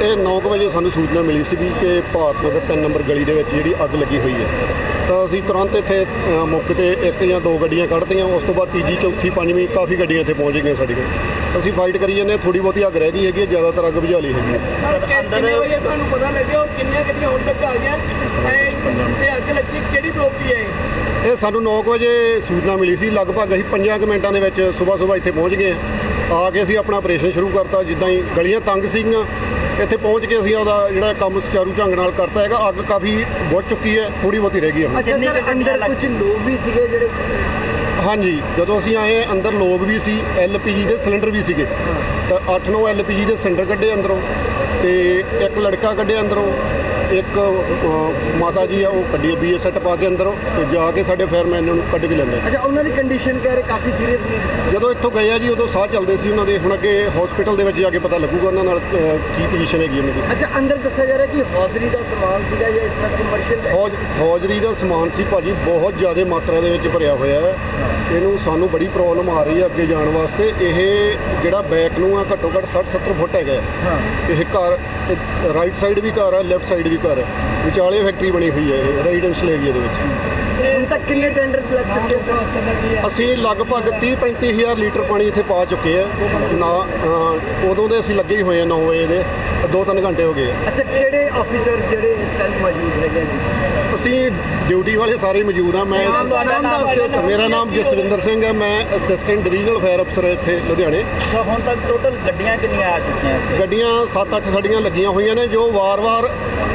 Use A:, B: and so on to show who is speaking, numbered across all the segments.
A: ਇਹ 9 ਵਜੇ ਸਾਨੂੰ ਸੂਚਨਾ ਮਿਲੀ ਸੀ ਕਿ ਭਾਰਤ ਨਗਰ 3 ਨੰਬਰ ਗਲੀ ਦੇ ਵਿੱਚ ਜਿਹੜੀ ਅੱਗ ਲੱਗੀ ਹੋਈ ਹੈ। ਤਾਂ ਅਸੀਂ ਤੁਰੰਤ ਇੱਥੇ ਮੌਕੇ 'ਤੇ 1 ਜਾਂ 2 ਗੱਡੀਆਂ ਕੱਢਤੀਆਂ। ਉਸ ਤੋਂ ਬਾਅਦ ਤੀਜੀ, ਚੌਥੀ, ਪੰਜਵੀਂ ਕਾਫੀ ਗੱਡੀਆਂ ਇੱਥੇ ਪਹੁੰਚ ਗਈਆਂ ਸਾਡੀ ਕੋਲ। ਅਸੀਂ ਫਾਈਟ ਕਰੀ ਜਾਂਦੇ, ਥੋੜ੍ਹੀ ਬਹੁਤੀ ਅੱਗ ਰਹਿ ਗਈ ਹੈਗੀ, ਜ਼ਿਆਦਾਤਰ ਅੱਗ ਬੁਝਾ ਲਈ ਹੈਗੀ ਹੈ।
B: ਕਿੰਨੇ ਵਜੇ ਤੁਹਾਨੂੰ ਪਤਾ ਲੱਗਿਆ ਕਿੰਨੀਆਂ ਗੱਡੀਆਂ ਹੁਣ ਤੱਕ ਆ ਗਈਆਂ ਤੇ ਅੱਗ ਲੱਗੀ ਕਿਹੜੀ ਪ੍ਰੋਪਰਟੀ ਹੈ
A: ਇਹ ਸਾਨੂੰ 9 ਵਜੇ ਸੂਚਨਾ ਮਿਲੀ ਸੀ। ਲਗਭਗ ਅਸੀਂ 5 ਮਿੰਟਾਂ ਦੇ ਵਿੱਚ ਸੁਬਾਹ ਇੱਥੇ ਪਹੁੰਚ ਗਏ। ਆ ਕੇ ਅਸੀਂ ਆਪਣਾ ਆਪਰੇਸ਼ਨ ਸ਼ੁਰੂ ਕਰਤਾ। ਜਿੱਦਾਂ ਹੀ ਗਲੀਆਂ ਤੰਗ ਸੀਗੀਆਂ, ਇੱਥੇ ਪਹੁੰਚ ਕੇ ਅਸੀਂ ਉਹਦਾ ਜਿਹੜਾ ਕੰਮ ਸੁਚਾਰੂ ਢੰਗ ਨਾਲ ਕਰਤਾ ਹੈਗਾ। ਅੱਗ ਕਾਫੀ ਬੁਝ ਚੁੱਕੀ ਹੈ, ਥੋੜੀ ਬਹੁਤੀ ਰਹਿ ਗਈ ਹੈ।
B: ਅੰਦਰ ਕੁਝ ਲੋਕ ਵੀ ਸੀਗੇ ਜਿਹੜੇ?
A: ਹਾਂਜੀ, ਜਦੋਂ ਅਸੀਂ ਆਏ ਅੰਦਰ ਲੋਕ ਵੀ ਸੀ, LPG ਦੇ ਸਿਲੰਡਰ ਵੀ ਸੀਗੇ। ਤਾਂ 8-9 LPG ਦੇ ਸਿਲੰਡਰ ਕੱਢੇ ਅੰਦਰੋਂ, ਤੇ ਇੱਕ ਲੜਕਾ ਕੱਢਿਆ ਅੰਦਰੋਂ, ਇੱਕ ਮਾਤਾ ਜੀ ਆ ਉਹ ਕੱਢੀ BA ਸੈੱਟ ਪਾ ਕੇ ਅੰਦਰੋਂ, ਤੇ ਜਾ ਕੇ ਸਾਡੇ ਫਾਇਰਮੈਨ ਨੂੰ ਕੱਢ ਕੇ ਲੈਂਦੇ।
B: ਅੱਛਾ, ਉਹਨਾਂ ਦੀ ਕੰਡੀਸ਼ਨ ਕਹਿ ਰਹੇ ਕਾਫੀ ਸੀਰੀਅਸ ਸੀ।
A: ਜਦੋਂ ਇੱਥੋਂ ਗਏ ਆ ਜੀ ਉਦੋਂ ਸਾਹ ਚੱਲਦੇ ਸੀ ਉਹਨਾਂ ਦੇ। ਹੁਣ ਅੱਗੇ ਹਸਪੀਟਲ ਦੇ ਵਿੱਚ ਜਾ ਕੇ ਪਤਾ ਲੱਗੂਗਾ ਉਹਨਾਂ ਨਾਲ ਕੀ ਪੋਜੀਸ਼ਨ ਹੈਗੀ ਉਹਨਾਂ ਦੀ।
B: ਅੱਛਾ, ਅੰਦਰ ਦੱਸਿਆ ਜਾ ਰਿਹਾ ਕਿ ਹੌਜ਼ਰੀ ਦਾ ਸਮਾਨ ਸੀਗਾ ਜਾਂ ਇਸ ਤਰ੍ਹਾਂ ਕਮਰਸ਼ੀਅਲ?
A: ਹੌਜ਼ਰੀ ਦਾ ਸਮਾਨ ਸੀ ਭਾਜੀ, ਬਹੁਤ ਜ਼ਿਆਦਾ ਮਾਤਰਾ ਦੇ ਵਿੱਚ ਭਰਿਆ ਹੋਇਆ ਹੈ। ਇਹਨੂੰ ਸਾਨੂੰ ਬੜੀ ਪ੍ਰੋਬਲਮ ਆ ਰਹੀ ਹੈ ਅੱਗੇ ਜਾਣ ਵਾਸਤੇ। ਇਹ ਜਿਹੜਾ ਬੈਕ ਨੂੰ ਆ ਘੱਟੋ ਘੱਟ 60-70 ਫੁੱਟ ਹੈਗਾ। ਇਹ ਘਰ ਰਾਈਟ ਸਾਈਡ ਵੀ ਘਰ ਹੈ, ਲੈਫਟ ਸਾਈਡ ਵੀ ਘਰ ਹੈ, ਵਿਚਾਲੇ ਫੈਕਟਰੀ ਬਣੀ ਹੋਈ ਹੈ ਇਹ ਰੈਜ਼ੀਡੈਂਸ਼ੀਅਲ ਏਰੀਆ ਦੇ ਵਿੱਚ।
B: ਹੁਣ ਤੱਕ ਕਿੰਨੇ ਟੈਂਡਰ ਲੱਗ ਚੁੱਕੇ?
A: ਅਸੀਂ ਲਗਭਗ 30-35 ਹਜ਼ਾਰ ਲੀਟਰ ਪਾਣੀ ਇੱਥੇ ਪਾ ਚੁੱਕੇ ਆ ਨਾ। ਉਦੋਂ ਦੇ ਅਸੀਂ ਲੱਗੇ ਹੀ ਹੋਏ ਆ 9 ਵਜੇ ਦੇ, 2-3 ਘੰਟੇ ਹੋ ਗਏ ਆ।
B: ਅੱਛਾ, ਕਿਹੜੇ ਆਫੀਸਰ ਜਿਹੜੇ ਇਸ ਟਾਈਮ ਮੌਜੂਦ ਹੈਗੇ ਜੀ?
A: ਅਸੀਂ ਡਿਊਟੀ ਵਾਲੇ ਸਾਰੇ ਮੌਜੂਦ ਆ। ਮੇਰਾ ਨਾਮ ਜਸਵਿੰਦਰ ਸਿੰਘ ਹੈ, ਮੈਂ ਅਸਿਸਟੈਂਟ ਡਿਵੀਜ਼ਨਲ ਫਾਇਰ ਅਫਸਰ ਇੱਥੇ ਲੁਧਿਆਣੇ।
C: ਹੁਣ ਤੱਕ ਟੋਟਲ ਗੱਡੀਆਂ ਕਿੰਨੀਆਂ ਆ ਚੁੱਕੀਆਂ?
A: ਗੱਡੀਆਂ 7-8 ਸਾਡੀਆਂ ਲੱਗੀਆਂ ਹੋਈਆਂ ਨੇ ਜੋ ਵਾਰ-ਵਾਰ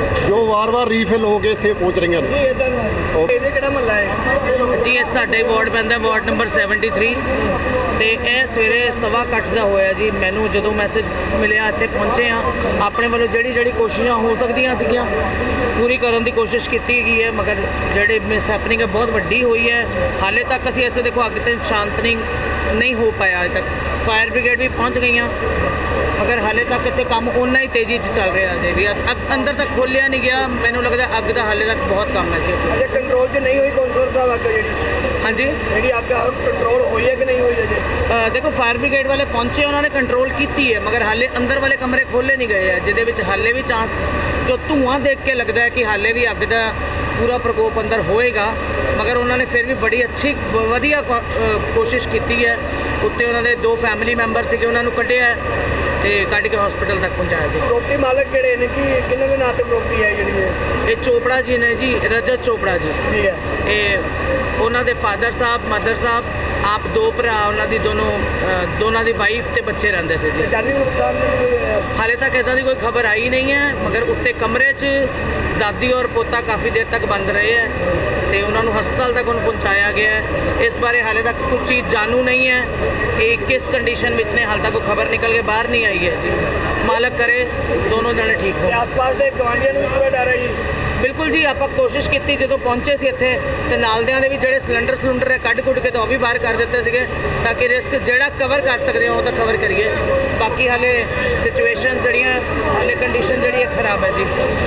A: ਰੀਫਿਲ ਹੋ ਕੇ ਇੱਥੇ ਪਹੁੰਚ ਰਹੀਆਂ ਨੇ।
B: ਇਹਦੇ ਕਿਹੜਾ ਮਹੱਲਾ ਹੈ
D: ਜੀ? ਇਹ ਸਾਡੇ ਵਾਰਡ ਪੈਂਦਾ, ਵਾਰਡ ਨੰਬਰ 73, ਤੇ ਇਹ ਸਵੇਰੇ 8:15 ਦਾ ਹੋਇਆ ਜੀ। ਮੈਨੂੰ ਜਦੋਂ ਮੈਸੇਜ ਮਿਲਿਆ ਇੱਥੇ ਪਹੁੰਚੇ ਆ। ਆਪਣੇ ਵੱਲੋਂ ਜਿਹੜੀ ਕੋਸ਼ਿਸ਼ਾਂ ਹੋ ਸਕਦੀਆਂ ਸੀਗੀਆਂ ਪੂਰੀ ਕਰਨ ਦੀ ਕੋਸ਼ਿਸ਼ ਕੀਤੀ ਗਈ ਹੈ, ਮਗਰ ਜਿਹੜੇ ਮਿਸ ਹੈਪਨਿੰਗ ਹੈ ਬਹੁਤ ਵੱਡੀ ਹੋਈ ਹੈ। ਹਾਲੇ ਤੱਕ ਅਸੀਂ ਇੱਥੇ ਦੇਖੋ ਅੱਗ ਤੇ ਸ਼ਾਂਤਨੀ ਨਹੀਂ ਹੋ ਪਾਇਆ। ਅਜੇ ਤੱਕ ਫਾਇਰ ਬ੍ਰਿਗੇਡ ਵੀ ਪਹੁੰਚ ਗਈਆਂ, ਮਗਰ ਹਾਲੇ ਤੱਕ ਇੱਥੇ ਕੰਮ ਓਨਾ ਹੀ ਤੇਜ਼ੀ 'ਚ ਚੱਲ ਰਿਹਾ ਅਜੇ ਵੀ। ਅੰਦਰ ਤੱਕ ਖੋਲ੍ਹਿਆ ਨਹੀਂ ਗਿਆ। ਮੈਨੂੰ ਲੱਗਦਾ ਅੱਗ ਦਾ ਹਾਲੇ ਤੱਕ ਬਹੁਤ ਕੰਮ ਹੈ ਜੀ।
B: ਅਜੇ ਕੰਟਰੋਲ 'ਚ ਨਹੀਂ ਹੋਈ ਕੌਂਸਲਰ ਸਾਹਿਬ ਅੱਗ
D: ਹਾਂਜੀ,
B: ਜਿਹੜੀ ਅੱਗ ਕੰਟਰੋਲ ਹੋਈ ਹੈ ਕਿ ਨਹੀਂ ਹੋਈ ਅਜੇ?
D: ਦੇਖੋ ਫਾਇਰ ਬ੍ਰਿਗੇਡ ਵਾਲੇ ਪਹੁੰਚੇ, ਉਹਨਾਂ ਨੇ ਕੰਟਰੋਲ ਕੀਤੀ ਹੈ, ਮਗਰ ਹਾਲੇ ਅੰਦਰ ਵਾਲੇ ਕਮਰੇ ਖੋਲ੍ਹੇ ਨਹੀਂ ਗਏ ਹੈ, ਜਿਹਦੇ ਵਿੱਚ ਹਾਲੇ ਵੀ ਚਾਂਸ, ਜੋ ਧੂੰਆਂ ਦੇਖ ਕੇ ਲੱਗਦਾ ਹੈ ਕਿ ਹਾਲੇ ਵੀ ਅੱਗ ਦਾ ਪੂਰਾ ਪ੍ਰਕੋਪ ਅੰਦਰ ਹੋਏਗਾ। ਮਗਰ ਉਹਨਾਂ ਨੇ ਫਿਰ ਵੀ ਬੜੀ ਅੱਛੀ ਵਧੀਆ ਕੋਸ਼ਿਸ਼ ਕੀਤੀ ਹੈ। ਉੱਤੇ ਉਹਨਾਂ ਦੇ 2 ਫੈਮਿਲੀ ਮੈਂਬਰ ਸੀਗੇ, ਉਹਨਾਂ ਨੂੰ ਕੱਢਿਆ ਤੇ ਕੱਢ ਕੇ ਹਸਪੀਟਲ ਤੱਕ ਪਹੁੰਚਾਇਆ ਜੀ।
B: ਪ੍ਰੋਪਰਟੀ ਮਾਲਕ ਕਿਹੜੇ ਨੇ, ਕਿ ਕਿਹਨਾਂ ਦੇ ਨਾਂ ਤੇ ਪ੍ਰੋਪਰਟੀ ਹੈ ਜਿਹੜੀ
D: ਇਹ ਚੋਪੜਾ ਜੀ ਨੇ ਜੀ, ਰਜਤ ਚੋਪੜਾ ਜੀ।
B: ਠੀਕ ਹੈ।
D: ਇਹ ਉਹਨਾਂ ਦੇ ਫਾਦਰ ਸਾਹਿਬ, ਮਦਰ ਸਾਹਿਬ, ਆਪ 2 ਭਰਾ, ਉਹਨਾਂ ਦੀ ਦੋਨਾਂ ਦੀ ਵਾਈਫ ਤੇ ਬੱਚੇ ਰਹਿੰਦੇ ਸੀ ਜੀ।
B: ਜਾਨੀ ਨੁਕਸਾਨ
D: ਹਾਲੇ ਤੱਕ ਇੱਦਾਂ ਦੀ ਕੋਈ ਖਬਰ ਆਈ ਨਹੀਂ ਹੈ, ਮਗਰ ਉੱਤੇ ਕਮਰੇ 'ਚ ਦਾਦੀ ਔਰ ਪੋਤਾ ਕਾਫੀ ਦੇਰ ਤੱਕ ਬੰਦ ਰਹੇ ਹੈ ਤੇ ਉਹਨਾਂ ਨੂੰ ਹਸਪਤਾਲ ਤੱਕ ਹੁਣ ਪਹੁੰਚਾਇਆ ਗਿਆ ਹੈ। ਇਸ ਬਾਰੇ ਹਾਲੇ ਤੱਕ ਕੁਝ ਚੀਜ਼ ਜਾਣੂ ਨਹੀਂ ਹੈ ਕਿ ਕਿਸ ਕੰਡੀਸ਼ਨ ਵਿੱਚ ਨੇ। ਹਾਲੇ ਤੱਕ ਕੋਈ ਖਬਰ ਨਿਕਲ ਕੇ ਬਾਹਰ ਨਹੀਂ ਆਈ ਹੈ ਜੀ। ਮਾਲਕ ਕਰੇ ਦੋਨੋਂ ਜਣੇ ਠੀਕ ਹੋ।
B: ਆਸ-ਪਾਸ ਦੇ ਗਵਾਂਢੀਆਂ ਨੂੰ ਵੀ ਪੂਰਾ ਡਰ ਹੈ ਜੀ?
D: ਬਿਲਕੁਲ ਜੀ, ਆਪਾਂ ਕੋਸ਼ਿਸ਼ ਕੀਤੀ ਜਦੋਂ ਪਹੁੰਚੇ ਸੀ ਇੱਥੇ, ਤੇ ਨਾਲਦਿਆਂ ਦੇ ਵੀ ਜਿਹੜੇ ਸਿਲੰਡਰ ਹੈ ਕੱਢ ਕੇ ਤਾਂ ਉਹ ਵੀ ਬਾਹਰ ਕਰ ਦਿੱਤੇ ਸੀਗੇ, ਤਾਂ ਕਿ ਰਿਸਕ ਜਿਹੜਾ ਕਵਰ ਕਰ ਸਕਦੇ ਹਾਂ ਉਹ ਤਾਂ ਕਵਰ ਕਰੀਏ। ਬਾਕੀ ਹਾਲੇ ਸਿਚੁਏਸ਼ਨ ਜਿਹੜੀਆਂ, ਹਾਲੇ ਕੰਡੀਸ਼ਨ ਜਿਹੜੀ ਹੈ ਖਰਾਬ ਹੈ ਜੀ।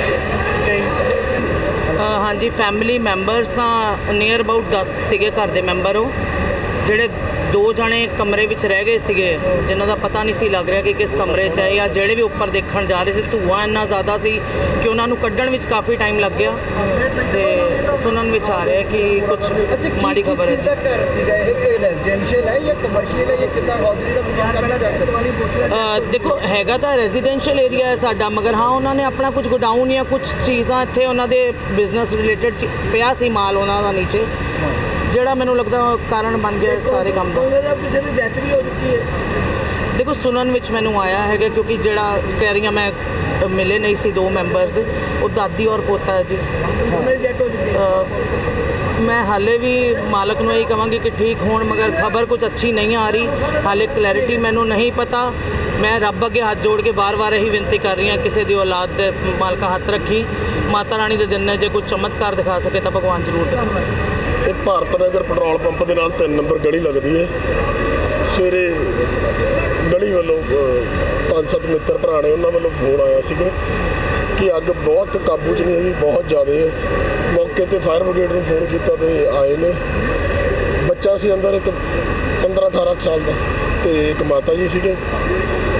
D: ਹਾਂਜੀ, ਫੈਮਿਲੀ ਮੈਂਬਰਸ ਤਾਂ ਨੀਅਰ ਅਬਾਊਟ 10 ਸੀਗੇ ਘਰ ਦੇ ਮੈਂਬਰ। ਉਹ ਜਿਹੜੇ 2 ਜਣੇ ਕਮਰੇ ਵਿੱਚ ਰਹਿ ਗਏ ਸੀਗੇ, ਜਿਨ੍ਹਾਂ ਦਾ ਪਤਾ ਨਹੀਂ ਸੀ ਲੱਗ ਰਿਹਾ ਕਿ ਕਿਸ ਕਮਰੇ 'ਚ ਹੈ, ਜਾਂ ਜਿਹੜੇ ਵੀ ਉੱਪਰ ਦੇਖਣ ਜਾ ਰਹੇ ਸੀ, ਧੂੰਆਂ ਇੰਨਾ ਜ਼ਿਆਦਾ ਸੀ ਕਿ ਉਹਨਾਂ ਨੂੰ ਕੱਢਣ ਵਿੱਚ ਕਾਫੀ ਟਾਈਮ ਲੱਗ ਗਿਆ। ਤੇ ਸੁਣਨ ਵਿੱਚ ਆ ਰਿਹਾ ਕਿ ਕੁਝ ਮਾੜੀ ਖਬਰ ਹੈ।
B: ਘਰ ਸੀਗਾ ਇਹ ਰੈਜ਼ੀਡੈਂਸ਼ੀਅਲ ਹੈ ਜਾਂ ਕਮਰਸ਼ੀਅਲ ਹੈ ਜਾਂ ਕਿੱਦਾਂ? ਹੌਜ਼ਰੀ ਦਾ
D: ਦੇਖੋ ਹੈਗਾ ਤਾਂ ਰੈਜ਼ੀਡੈਂਸ਼ੀਅਲ ਏਰੀਆ ਹੈ ਸਾਡਾ, ਮਗਰ ਹਾਂ ਉਹਨਾਂ ਨੇ ਆਪਣਾ ਕੁਝ ਗੋਡਾਊਨ ਜਾਂ ਕੁਝ ਚੀਜ਼ਾਂ ਇੱਥੇ ਉਹਨਾਂ ਦੇ ਬਿਜ਼ਨਸ ਰਿਲੇਟਡ ਪਿਆ ਸੀ ਮਾਲ ਉਹਨਾਂ ਦਾ ਨੀਚੇ, ਜਿਹੜਾ ਮੈਨੂੰ ਲੱਗਦਾ ਕਾਰਨ ਬਣ ਗਿਆ ਸਾਰੇ ਕੰਮ ਦਾ।
B: ਕਿਸੇ ਦੀ ਡੈਥ ਵੀ ਹੋ ਚੁੱਕੀ ਹੈ?
D: ਦੇਖੋ ਸੁਣਨ ਵਿੱਚ ਮੈਨੂੰ ਆਇਆ ਹੈਗਾ, ਕਿਉਂਕਿ ਜਿਹੜਾ ਕਹਿ ਰਹੀਆਂ ਮੈਂ ਮਿਲੇ ਨਹੀਂ ਸੀ 2 ਮੈਂਬਰਸ, ਉਹ ਦਾਦੀ ਔਰ ਪੋਤਾ ਹੈ ਜੀ।
B: ਉਹਨਾਂ ਦੀ ਡੈਥ ਹੋ ਚੁੱਕੀ ਹੈ?
D: ਮੈਂ ਹਾਲੇ ਵੀ ਮਾਲਕ ਨੂੰ ਇਹੀ ਕਹਾਂਗੀ ਕਿ ਠੀਕ ਹੋਣ, ਮਗਰ ਖਬਰ ਕੁਝ ਅੱਛੀ ਨਹੀਂ ਆ ਰਹੀ। ਹਾਲੇ ਕਲੈਰਿਟੀ ਮੈਨੂੰ ਨਹੀਂ ਪਤਾ। ਮੈਂ ਰੱਬ ਅੱਗੇ ਹੱਥ ਜੋੜ ਕੇ ਵਾਰ-ਵਾਰ ਇਹੀ ਬੇਨਤੀ ਕਰ ਰਹੀ ਹਾਂ, ਕਿਸੇ ਦੀ ਔਲਾਦ ਦੇ ਮਾਲਕਾ ਹੱਥ ਰੱਖੀ। ਮਾਤਾ ਰਾਣੀ ਦੇ ਦਿਨ ਨੇ ਜੇ ਕੋਈ ਚਮਤਕਾਰ ਦਿਖਾ ਸਕੇ ਤਾਂ ਭਗਵਾਨ ਜ਼ਰੂਰ ਦਿਖਾਵੇ।
E: ਇਹ ਭਾਰਤ ਨਗਰ ਪੈਟਰੋਲ ਪੰਪ ਦੇ ਨਾਲ 3 ਨੰਬਰ ਗਲੀ ਲੱਗਦੀ ਹੈ। ਸਵੇਰੇ ਗਲੀ ਵੱਲੋਂ 5-7 ਮਿੱਤਰ ਭਰਾ ਨੇ, ਉਹਨਾਂ ਵੱਲੋਂ ਫੋਨ ਆਇਆ ਸੀਗਾ ਕਿ ਅੱਗ ਬਹੁਤ ਕਾਬੂ 'ਚ ਨਹੀਂ ਹੈਗੀ, ਬਹੁਤ ਜ਼ਿਆਦਾ ਹੈ। ਮੌਕੇ 'ਤੇ ਫਾਇਰ ਬ੍ਰਿਗੇਡ ਨੂੰ ਫੋਨ ਕੀਤਾ ਤੇ ਆਏ ਨੇ। ਬੱਚਾ ਸੀ ਅੰਦਰ, ਇੱਕ 15-18 ਸਾਲ ਦਾ, ਤੇ ਇੱਕ ਮਾਤਾ ਜੀ ਸੀਗੇ। ਮੌਕੇ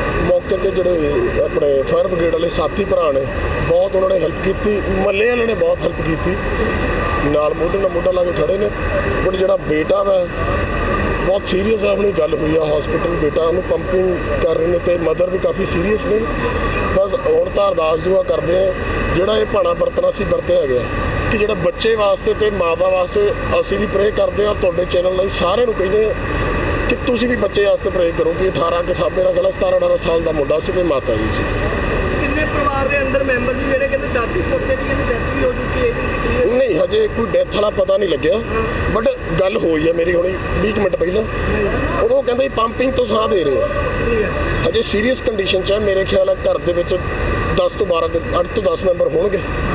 E: ਮੌਕੇ ਤੇ ਜਿਹੜੇ ਆਪਣੇ ਫਾਇਰ ਬ੍ਰਿਗੇਡ ਵਾਲੇ ਸਾਥੀ ਭਰਾ ਨੇ ਬਹੁਤ ਉਹਨਾਂ ਨੇ ਹੈਲਪ ਕੀਤੀ, ਮੱਲੇ ਵਾਲੇ ਨੇ ਬਹੁਤ ਹੈਲਪ ਕੀਤੀ, ਨਾਲ ਮੋਢੇ ਨਾਲ ਮੋਢਾ ਲਾ ਕੇ ਖੜੇ ਨੇ। ਬਟ ਜਿਹੜਾ ਬੇਟਾ ਵਾ ਬਹੁਤ ਸੀਰੀਅਸ ਆ, ਆਪਣੀ ਗੱਲ ਹੋਈ ਆ ਹਸਪੀਟਲ, ਬੇਟਾ ਉਹਨੂੰ ਪੰਪਿੰਗ ਕਰ ਰਹੇ ਨੇ ਤੇ ਮਦਰ ਵੀ ਕਾਫੀ ਸੀਰੀਅਸ ਨੇ। ਬਸ ਹੁਣ ਤਾਂ ਅਰਦਾਸ ਦੁਆ ਕਰਦੇ ਆ, ਜਿਹੜਾ ਇਹ ਭਾਣਾ ਵਰਤਣਾ ਸੀ ਵਰਤਿਆ ਗਿਆ ਕਿ ਜਿਹੜਾ ਬੱਚੇ ਵਾਸਤੇ ਤੇ ਮਾਤਾ ਵਾਸਤੇ ਅਸੀਂ ਵੀ ਪ੍ਰੇ ਕਰਦੇ ਹਾਂ। ਤੁਹਾਡੇ ਚੈਨਲ ਲਈ ਸਾਰਿਆਂ ਨੂੰ ਕਹਿੰਦੇ ਆ ਕਿ ਤੁਸੀਂ ਵੀ ਬੱਚੇ ਵਾਸਤੇ ਪ੍ਰੇ ਕਰੋ ਕਿ 18 ਕੇ ਸਾਲ, ਮੇਰਾ ਖਿਆਲ 17-18 ਸਾਲ ਦਾ ਮੁੰਡਾ ਸੀ ਤੇ ਮਾਤਾ ਜੀ ਸੀ।
B: ਕਿੰਨੇ ਪਰਿਵਾਰ ਦੇ ਅੰਦਰ ਮੈਂਬਰ ਸੀ ਜਿਹੜੇ ਕਹਿੰਦੇ ਦਾਦੀ ਪੋਤੇ ਦੀ ਕਹਿੰਦੇ ਡੈਥ ਵੀ ਹੋ ਚੁੱਕੀ ਹੈ ਇਹਦੀ ਕਲੀਅਰ?
E: ਨਹੀਂ, ਹਜੇ ਕੋਈ ਡੈਥ ਵਾਲਾ ਪਤਾ ਨਹੀਂ ਲੱਗਿਆ, ਬਟ ਗੱਲ ਹੋਈ ਆ ਮੇਰੀ ਹੁਣੀ 20 ਮਿੰਟ ਪਹਿਲਾਂ। ਉਦੋਂ ਕਹਿੰਦੇ ਪੰਪਿੰਗ ਤੋਂ ਸਾਹ ਦੇ ਰਹੇ ਆ,
B: ਠੀਕ ਹੈ।
E: ਹਜੇ ਸੀਰੀਅਸ ਕੰਡੀਸ਼ਨ 'ਚ ਹੈ। ਮੇਰੇ ਖਿਆਲ ਹੈ ਘਰ ਦੇ ਵਿੱਚ 10 ਤੋਂ 12 8 ਤੋਂ 10 ਮੈਂਬਰ ਹੋਣਗੇ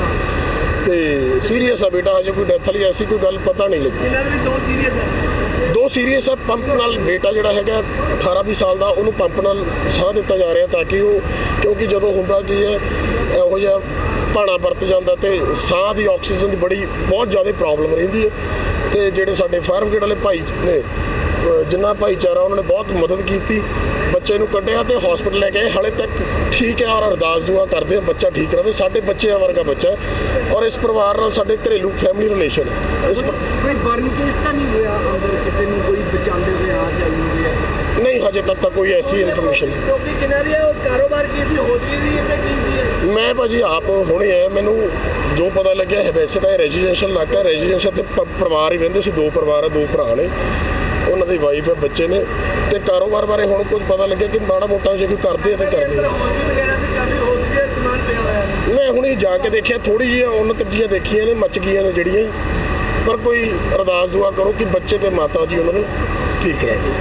E: ਤੇ ਸੀਰੀਅਸ ਆ ਬੇਟਾ, ਹਜੇ ਕੋਈ ਡੈਥ ਵਾਲੀ ਐਸੀ ਕੋਈ ਗੱਲ ਪਤਾ ਨਹੀਂ ਲੱਗੀ।
B: ਇਹਨਾਂ ਦੇ ਵੀ 2 ਸੀਰੀਅਸ ਹੈ।
E: 2 ਸੀਰੀਅਸ ਆ। ਪੰਪ ਨਾਲ ਬੇਟਾ ਜਿਹੜਾ ਹੈਗਾ 18-20 ਸਾਲ ਦਾ, ਉਹਨੂੰ ਪੰਪ ਨਾਲ ਸਾਹ ਦਿੱਤਾ ਜਾ ਰਿਹਾ ਤਾਂ ਕਿ ਉਹ, ਕਿਉਂਕਿ ਜਦੋਂ ਹੁੰਦਾ ਕੀ ਹੈ ਇਹੋ ਜਿਹਾ ਭਾਣਾ ਵਰਤ ਜਾਂਦਾ ਤੇ ਸਾਹ ਦੀ ਆਕਸੀਜਨ ਦੀ ਬਹੁਤ ਜ਼ਿਆਦਾ ਪ੍ਰੋਬਲਮ ਰਹਿੰਦੀ ਹੈ। ਤੇ ਜਿਹੜੇ ਸਾਡੇ ਫਾਇਰ ਬ੍ਰਿਗੇਡ ਵਾਲੇ ਭਾਈ ਨੇ, ਜਿੰਨਾ ਭਾਈਚਾਰਾ, ਉਹਨਾਂ ਨੇ ਬਹੁਤ ਮਦਦ ਕੀਤੀ, ਬੱਚੇ ਨੂੰ ਕੱਢਿਆ ਤੇ ਹਸਪੀਟਲ ਲੈ ਕੇ ਆਏ। ਹਾਲੇ ਤੱਕ ਠੀਕ ਹੈ ਔਰ ਅਰਦਾਸ ਦੁਆ ਕਰਦੇ ਹਾਂ ਬੱਚਾ ਠੀਕ ਰਹੇ। ਸਾਡੇ ਬੱਚਿਆਂ ਵਰਗਾ ਬੱਚਾ ਹੈ ਔਰ ਇਸ ਪਰਿਵਾਰ ਨਾਲ ਸਾਡੇ ਘਰੇਲੂ ਫੈਮਿਲੀ ਰਿਲੇਸ਼ਨ ਹੈ।
B: ਕੋਈ ਬਰਨ ਕੇਸ ਤਾਂ ਨਹੀਂ ਹੋਇਆ ਅੰਦਰ ਕਿਸੇ ਨੂੰ ਕੋਈ ਬਚਾਉਂਦੇ ਹੋਏ ਆ ਚੱਲੀ ਹੋਈ ਹੈ?
E: ਨਹੀਂ, ਹਜੇ ਤੱਕ ਤਾਂ ਕੋਈ ਐਸੀ ਇਨਫੋਰਮੇਸ਼ਨ ਨਹੀਂ।
B: ਟੋਪੀ ਕਿਨਾਰੀ ਹੈ, ਉਹ ਕਾਰੋਬਾਰ ਕੀ ਸੀ, ਹੋਟਲੀ ਸੀ ਤੇ ਕੀ ਸੀ?
E: ਮੈਂ ਭਾਜੀ ਆਪ ਹੁਣੇ ਆਇਆ, ਮੈਨੂੰ ਜੋ ਪਤਾ ਲੱਗਿਆ ਹੈ ਵੈਸੇ ਤਾਂ ਇਹ ਰੈਜ਼ੀਡੈਂਸ਼ੀਅਲ ਇਲਾਕਾ, ਰੈਜ਼ੀਡੈਂਸ਼ੀਅਲ ਤੇ ਪਰਿਵਾਰ ਹੀ ਰਹਿੰਦੇ ਸੀ, 2 ਪਰਿਵਾਰ ਹੈ, 2 ਭਰਾ ਨੇ, ਉਹਨਾਂ ਦੀ ਵਾਈਫ ਹੈ, ਬੱਚੇ ਨੇ। ਤੇ ਕਾਰੋਬਾਰ ਬਾਰੇ ਹੁਣ ਕੁਝ ਪਤਾ ਲੱਗਿਆ ਕਿ ਮਾੜਾ ਮੋਟਾ ਜੇ ਕੋਈ ਕਰਦੇ ਆ ਤਾਂ ਕਰਦੇ ਆ।
B: ਹੋਟਲੀ ਵਗੈਰਾ ਸੀ, ਕਾਫੀ ਹੋਟਲੀ ਦਾ ਸਮਾਨ ਪਿਆ ਹੋਇਆ ਹੈ।
E: ਮੈਂ ਹੁਣੇ ਜਾ ਕੇ ਦੇਖਿਆ, ਥੋੜੀ ਜਿਹੀਆਂ ਉਨਕ ਜੀਆਂ ਦੇਖੀਆਂ ਨੇ, ਮੱਚ ਗਈਆਂ ਨੇ ਜਿਹੜੀਆਂ, ਪਰ ਕੋਈ ਅਰਦਾਸ ਦੁਆ ਕਰੋ ਕਿ ਬੱਚੇ ਤੇ ਮਾਤਾ ਜੀ ਉਹਨਾਂ ਦੇ ਠੀਕ ਰਹਿਣ।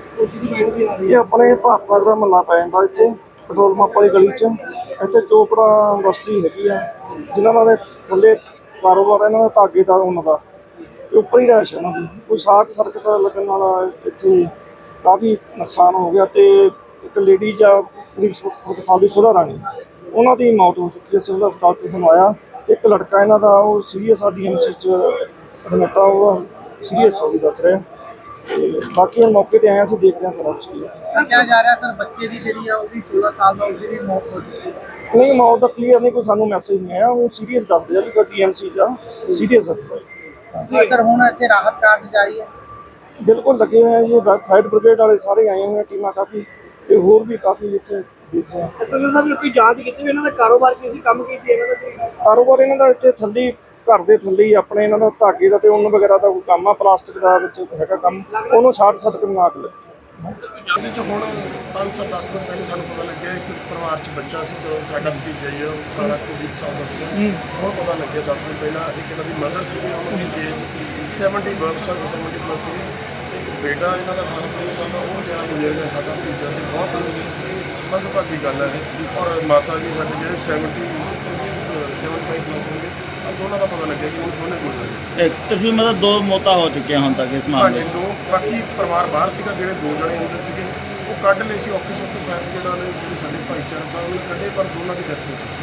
F: ਇਹ ਆਪਣੇ ਭਾਰਤ ਦਾ ਮਹੱਲਾ ਪੈ ਜਾਂਦਾ ਇੱਥੇ ਪੈਟਰੋਲ ਪੰਪ ਵਾਲੀ ਗਲੀ 'ਚ। ਇੱਥੇ ਚੋਪੜਾ ਇੰਡਸਟਰੀ ਹੈਗੀ ਆ, ਜਿਨ੍ਹਾਂ ਦੇ ਥੱਲੇ ਕਾਰੋਬਾਰ ਇਹਨਾਂ ਦਾ ਧਾਗੇ ਦਾ, ਉਹਨਾਂ ਦਾ ਉੱਪਰ ਹੀ ਰਹਿਸ਼ ਇਹਨਾਂ ਦੀ। ਕੋਈ ਸ਼ਾਰਟ ਸਰਕਟ ਲੱਗਣ ਨਾਲ ਇੱਥੇ ਕਾਫੀ ਨੁਕਸਾਨ ਹੋ ਗਿਆ ਤੇ ਇੱਕ ਲੇਡੀਜ਼ ਆ ਕਰੀਬ 1 ਸਾਲ ਦੀ ਸੁਧਾ ਰਾਣੀ, ਉਹਨਾਂ ਦੀ ਮੌਤ ਹੋ ਚੁੱਕੀ ਹੈ। ਸਿਵਲ ਹਸਪਤਾਲ ਤੋਂ ਸਾਨੂੰ ਆਇਆ। ਇੱਕ ਲੜਕਾ ਇਹਨਾਂ ਦਾ ਉਹ ਸੀਰੀਅਸ ਆ, DMC 'ਚ ਐਡਮਿਟ ਆ, ਉਹ ਸੀਰੀਅਸ ਹੋ ਗਈ ਦੱਸ ਰਿਹਾ। ਬਾਕੀ ਹੁਣ ਮੌਕੇ ਤੇ ਆਏ, ਅਸੀਂ ਦੇਖਦੇ ਹਾਂ ਸਾਰਾ ਕੁਛ ਕੀ ਹੈ।
G: ਸਰ ਕਿਹਾ ਜਾ ਰਿਹਾ ਸਰ ਬੱਚੇ ਦੀ ਜਿਹੜੀ ਆ ਉਹ ਵੀ 16 ਸਾਲ ਦਾ, ਉਹਦੀ ਵੀ ਮੌਤ ਹੋ ਚੁੱਕੀ ਹੈ?
F: ਨਹੀਂ, ਮੌਤ ਦਾ ਕਲੀਅਰ ਨਹੀਂ, ਕੋਈ ਸਾਨੂੰ ਮੈਸੇਜ ਨਹੀਂ ਆਇਆ। ਉਹ ਸੀਰੀਅਸ ਦੱਸਦੇ ਆ ਵੀ ਕੋਈ DMC 'ਚ ਆ, ਸੀਰੀਅਸ ਹੈ।
G: ਸਰ ਹੁਣ ਇੱਥੇ ਰਾਹਤ ਕਾਰਜ ਜਾਰੀ ਹੈ?
F: ਬਿਲਕੁਲ ਲੱਗੇ ਹੋਏ ਆ ਜੀ, ਫਾਇਰ ਬ੍ਰਿਗੇਡ ਵਾਲੇ ਸਾਰੇ ਆਏ ਹੋਏ ਆ, ਟੀਮਾਂ ਕਾਫੀ, ਤੇ ਹੋਰ ਵੀ ਕਾਫੀ ਇੱਥੇ ਦੇਖ ਰਹੇ ਆ।
B: ਅਸਲ ਸਾਹਿਬ ਕੋਈ ਜਾਂਚ ਕੀਤੀ ਵੀ ਇਹਨਾਂ ਦਾ ਕਾਰੋਬਾਰ ਕੀ ਸੀ, ਕੰਮ ਕੀ ਸੀ ਇਹਨਾਂ ਦਾ?
F: ਕਾਰੋਬਾਰ ਇਹਨਾਂ ਦਾ ਇੱਥੇ ਥੱਲੇ, ਘਰ ਦੇ ਥੱਲੇ ਹੀ ਆਪਣੇ ਇਹਨਾਂ ਦਾ ਧਾਗੇ ਦਾ ਤੇ ਉੱਨ ਵਗੈਰਾ ਦਾ ਕੋਈ ਕੰਮ ਆ, ਪਲਾਸਟਿਕ ਦਾ ਵਿੱਚ ਹੈਗਾ ਕੰਮ, ਉਹਨੂੰ ਸ਼ਾਰਟ ਸਰਕਟ ਨਾਲ ਅੱਗ ਲੱਗੀ।
E: ਇਹਦੇ 'ਚ ਹੁਣ 5-10 ਮਿੰਟ ਪਹਿਲੇ ਸਾਨੂੰ ਪਤਾ ਲੱਗਿਆ ਕਿ ਪਰਿਵਾਰ 'ਚ ਬੱਚਾ ਸੀ, ਜੋ ਸਾਡਾ ਭਤੀਜਾ ਹੀ ਹੈ, 18 ਤੋਂ 20 ਸਾਲ ਦਾ ਸੀਗਾ। ਹੁਣ ਪਤਾ ਲੱਗਿਆ 10 ਮਿੰਟ ਪਹਿਲਾਂ, ਇੱਕ ਇਹਨਾਂ ਦੀ ਮਦਰ ਸੀਗੀ, ਉਹਨਾਂ ਦੀ ਏਜ 70 ਪਲੱਸ ਸੀਗੀ। ਇੱਕ ਬੇਟਾ ਇਹਨਾਂ ਦਾ 18 ਤੋਂ 19 ਸਾਲ ਦਾ, ਉਹ ਵਿਚਾਰਾ ਗੁਜ਼ਰ ਗਿਆ, ਸਾਡਾ ਭਤੀਜਾ ਸੀ। ਬਹੁਤ ਮੰਦਭਾਗੀ ਗੱਲ ਹੈ ਇਹ। ਔਰ ਮਾਤਾ ਜੀ ਸਾਡੇ ਜਿਹੜੇ 75 ਪਲੱਸ ਹੋਣਗੇ, ਦੋਨਾਂ ਦਾ ਪਤਾ ਲੱਗਿਆ ਕਿ ਉਹ ਦੋਨੇ ਗੁਜ਼ਰ ਗਏ।
C: ਤੁਸੀਂ ਮਤਲਬ 2 ਮੌਤਾਂ ਹੋ ਚੁੱਕੀਆਂ ਹੁਣ ਤੱਕ ਇਸ ਮਾਮਲੇ 'ਚ?
E: ਹਾਂਜੀ, 2। ਬਾਕੀ ਪਰਿਵਾਰ ਬਾਹਰ ਸੀਗਾ, ਜਿਹੜੇ 2 ਜਣੇ ਅੰਦਰ ਸੀਗੇ ਉਹ ਕੱਢ ਲਏ ਸੀ। ਔਖੇ ਸੌਖੇ ਫਾਇਰ ਬ੍ਰਿਗੇਡ ਵਾਲੇ ਜਿਹੜੇ ਸਾਡੇ ਭਾਈਚਾਰਾ ਸਾਹਿਬ ਉਹਨੇ ਕੱਢੇ, ਪਰ ਦੋਨਾਂ ਦੀ ਡੈਥ ਹੋ ਚੁੱਕੀ।